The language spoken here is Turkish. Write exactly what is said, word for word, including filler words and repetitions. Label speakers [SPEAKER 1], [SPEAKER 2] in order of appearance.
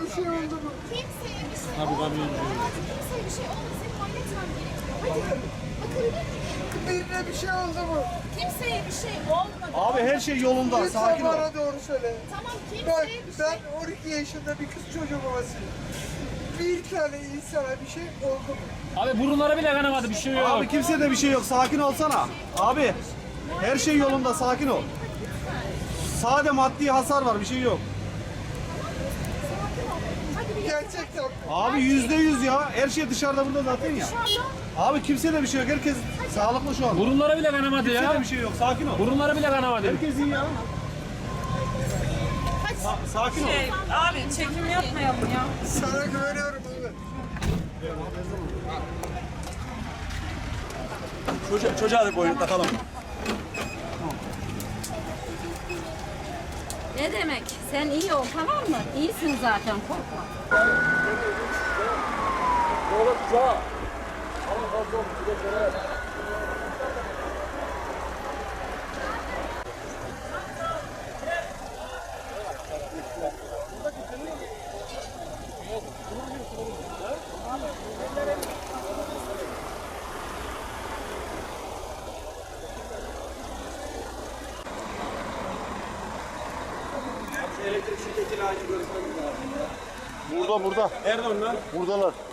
[SPEAKER 1] bir şey oldu mu?
[SPEAKER 2] Kimseye bir şey
[SPEAKER 3] Abi,
[SPEAKER 2] olmadı.
[SPEAKER 3] kamyoncu.
[SPEAKER 2] Hayatım kimseye bir şey olmadı. Senin halletmem gerekiyor. Hadi bakabilir miyim?
[SPEAKER 1] Birine bir şey oldu mu?
[SPEAKER 2] Kimseye bir şey olmadı.
[SPEAKER 4] Abi her şey yolunda.
[SPEAKER 1] Lütfen
[SPEAKER 4] Sakin ol.
[SPEAKER 1] bana doğru söyle.
[SPEAKER 2] Tamam
[SPEAKER 1] Bak
[SPEAKER 2] kimseye bir şey...
[SPEAKER 1] ben on iki yaşında bir kız çocuğu babasıyım. Bir tane insana bir şey oldu mu?
[SPEAKER 3] Abi burunlara bile kanamadı, bir şey yok.
[SPEAKER 4] Abi kimseye de bir şey yok. Sakin olsana. Abi her şey yolunda. Sakin ol. Sade maddi hasar var. Bir şey yok.
[SPEAKER 2] Hadi bir
[SPEAKER 1] Gerçekten.
[SPEAKER 4] Abi yüzde yüz ya. Her şey dışarıda burada zaten ya.
[SPEAKER 2] dışarıda.
[SPEAKER 4] Abi kimseye de bir şey yok. Herkes sağlıklı şu an.
[SPEAKER 3] Burunlara bile kanamadı
[SPEAKER 4] Kimseye
[SPEAKER 3] ya.
[SPEAKER 4] de bir şey yok. Sakin ol.
[SPEAKER 3] Burunlara bile kanamadı.
[SPEAKER 4] Herkes iyi ya. Sa- sakin ol.
[SPEAKER 5] Şey, abi çekim yapmayalım ya.
[SPEAKER 1] Sana güveniyorum abi.
[SPEAKER 4] Çocuğa, çocuğa da boyun takalım.
[SPEAKER 5] Ne demek? Sen iyi ol, tamam mı? İyisin zaten, korkma.
[SPEAKER 4] Burada burada.
[SPEAKER 3] Nerede onlar?
[SPEAKER 4] Buradalar.